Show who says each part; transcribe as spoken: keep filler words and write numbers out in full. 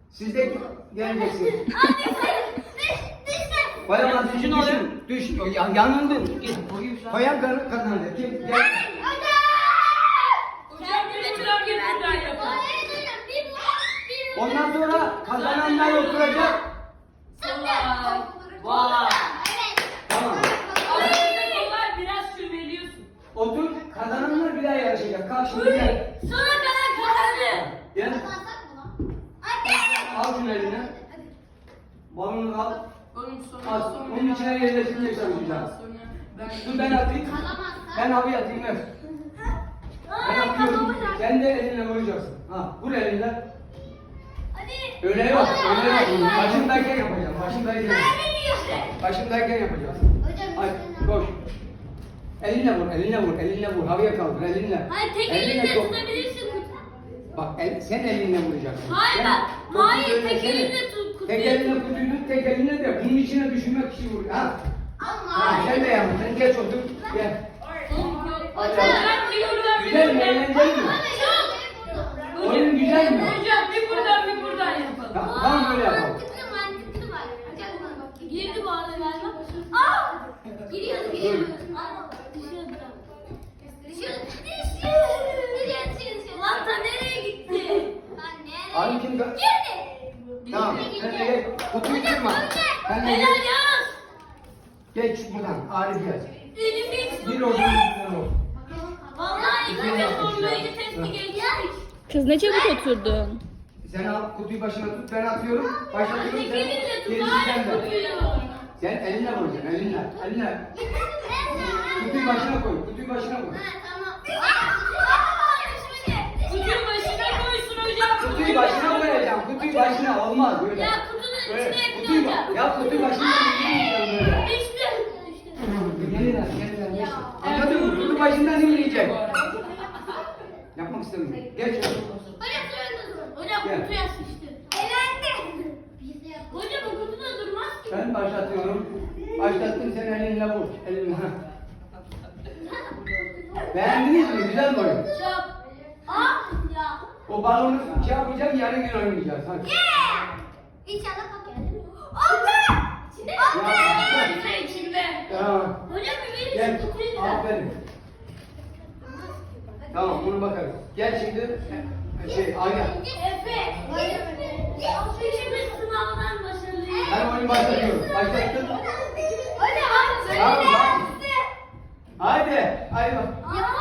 Speaker 1: Siz de geleceksiniz. Koyamaz, düşün oğlum. Düş, yan, yanındın. Git. Koyan kazandı. Kazandı. Kim? Gel. Ondan sonra kazananlar oturacak. Vay. Tamam.
Speaker 2: Biraz şüpheliyorsun.
Speaker 1: Otur, kazananlar bir daha yarışacak. Kalk şimdi gel.
Speaker 2: Sonra kadar kazandı.
Speaker 1: Gel. Al şunu eline. Balonu al.
Speaker 2: Onun
Speaker 1: Al. Onun içine yerleştirmeye çalışacağız. Dur ben atayım. Ben abi atayım ver. Ben atıyorum. Sen de elinle vuracaksın. Ha, vur elinle. Öyle yok, öyle yok. Başımdayken yapacağım. Başımdayken. Başımdayken yapacağız. Hadi koş. Elinle vur, elinle vur, elinle vur. Havaya kaldır, elinle.
Speaker 2: Hayır, tek
Speaker 1: Elinle
Speaker 2: elinle
Speaker 1: sok.
Speaker 2: tutabilirsin kutuyu.
Speaker 1: Bak el, sen elinle vuracaksın.
Speaker 2: Hayır,
Speaker 1: Sen
Speaker 2: bak.
Speaker 1: topu
Speaker 2: Hayır,
Speaker 1: böyle
Speaker 2: tek
Speaker 1: sen-
Speaker 2: elinle tut kutuyu.
Speaker 1: Tek elinle kutuyu tut, tek elinle de bunun içine düşürmek için vur. Ha. Ha, sen de yapma, sen geç otur. Gel. Güzel mi, eğlenceli mi? Oyun güzel mi?
Speaker 2: Hocam bir buradan bir buradan yapalım.
Speaker 1: Tamam, tamam böyle yapalım.
Speaker 2: Girdi bu arada galiba. Aa! Giriyordu, giriyordu. Aa, düşüyordu. Düşüyordu. Düşüyordu. Lan ta nereye gitti?
Speaker 1: Abi kim?
Speaker 2: Girdi.
Speaker 1: Tamam, sen de gel. Kutuyu kırma. Sen de
Speaker 2: Helal
Speaker 1: gel.
Speaker 2: yaz.
Speaker 1: Geç buradan, Arif gel.
Speaker 2: Elimi hiç
Speaker 1: Bir olsun, bir olsun.
Speaker 2: Vallahi ilk önce sormayı testi geçtik.
Speaker 3: Kız ne çabuk oturdun.
Speaker 1: Sen al, kutuyu başına tut, ben atıyorum. Başlatıyorum,
Speaker 2: Tek
Speaker 1: sen
Speaker 2: elinle tut.
Speaker 1: gerisi
Speaker 2: Hayır
Speaker 1: sende.
Speaker 2: kutuyu.
Speaker 1: Sen elinle vuracaksın, elinle, elinle. Kutuyu başına koy, kutuyu başına koy.
Speaker 2: Kutuyu başına koysun hocam.
Speaker 1: Kutuyu başına koyacağım, kutuyu başına olmaz böyle.
Speaker 2: Ya kutunun
Speaker 1: Böyle,
Speaker 2: içine
Speaker 1: kutuyu
Speaker 2: yapacağım.
Speaker 1: bak, ya kutuyu başına koyacağım böyle.
Speaker 2: Düştü.
Speaker 1: Gelin lan, gelin lan. Anladın mı? Kutu başından inmeyecek. Yapmak istemiyorum. Geç.
Speaker 2: Hocam
Speaker 1: Gel.
Speaker 2: kutuya sıçtı. Hocam o kutuda durmaz ki.
Speaker 1: Ben başlatıyorum. Başlattım, sen elinle vur. Elinle. ha. Beğendiniz mi? Güzel mi oyun?
Speaker 2: Çap. Ah ya.
Speaker 1: O balonu şey yapacağım, yarın gün oynayacağız. Hadi.
Speaker 2: İnşallah bak geldi. Oldu. İçinde mi?
Speaker 1: Ya.
Speaker 2: İçinde içinde.
Speaker 1: Tamam.
Speaker 2: Hocam bir verin
Speaker 1: Gel.
Speaker 2: şu kutuyu da.
Speaker 1: Aferin. Tamam, bunu bakarız. Gel şimdi. Şey, Ayla.
Speaker 2: Efe. Üçümüz sınavdan başarılıyız.
Speaker 1: Ben oyunu başlatıyorum. Başlattım.
Speaker 2: Hocam.
Speaker 1: Tamam, bak. Haydi. Haydi.
Speaker 2: Ya